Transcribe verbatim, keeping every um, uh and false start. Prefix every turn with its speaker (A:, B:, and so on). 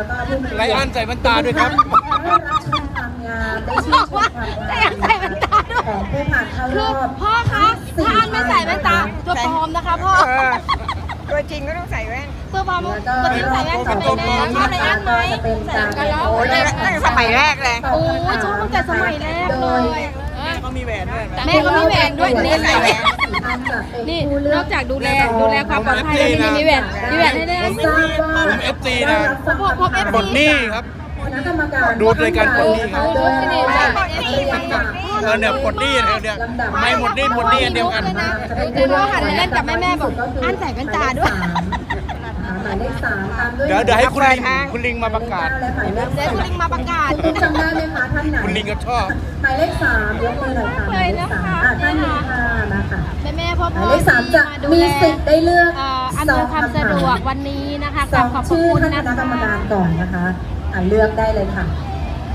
A: แล้วก็ผู้มี
B: ไลอ้อนใส่แว่นตาด้วยครับ
A: ได้รับชมความงามได้ชื่นชมความงาม
C: แต่อยากใส่แว่นตาด้วย
A: ของผู้ผ่านเข้าร
C: คือ
A: อบ
C: พ่อคะถ้าอันไม่ใส่แว่นตาตัวปลอมนะคะพ่อ
D: เออตัวจริงก็ต้องใส่แว่น
C: ตัวปลอม
A: แล้วก็
C: ตัวจริงใส่แว่นจะเป็นแน่ชอบอะไรอันไหมใส่กันแล้ว
D: โอ้ยตั้งแต่สมัยแรกเลย
C: โอ้ยชอบตั้งแต่สมัยแรกเลย
B: แม่ก็มีแหวนด้วย
C: แม่ก็มีแหวนด้วยนี่
D: ใส่แหวน
C: นี่นอกจากดูแลดูแลความปลอดภัยแล้วนี่มีแหวนมีแหวนให้ด้วยนะ
B: ผม เอฟ ซี นะ
C: ผมผม เอฟ ซี
B: ปลดหนี้ครับ
A: คณะกรรมการ
B: ดูรายการปลดหนี้ครับ
A: โดยรายการ
B: เออเนี่ยปลดหนี้เนี่ยเนี่ยไม่หมดหนี้หมดหนี้อันเดียวกัน
C: แต่พ่อหันมาเล่นกับแม่แม่บอกอันใส่แว่นตาด้วย
A: หมายเลขสามตามด้วย
B: เดี๋ยวเดี๋ยวให้คุณลิงคุณลิงมาประกาศ
A: และหมายเลข
C: เดี๋ยวคุณลิงมาประกาศ
A: คุณจำได้ไหมคะท่านไหน
B: คุณลิงก็ชอบ
A: หมายเลขสามยกมือหน่อยค่ะหมายเลขสามอ่ะท่านนี้ค่ะนะคะ
C: แม่แม่พ่อ
A: ห
C: พ่
A: มา
C: อย
A: เลขสามจะ
C: ดู
A: มี
C: แล
A: สิทธิ์ได้เลือก
C: เอ่ออำนวยความสะดวกวันนี้นะคะ
A: ส
C: กรา
A: อบ ง
C: ขอบพระ
A: ชื่อ
C: คุณ
A: ท่าน
C: นะ
A: คณะกรรม
C: คะ
A: การก่อนนะคะอ่ะเลือกได้เลยค่ะ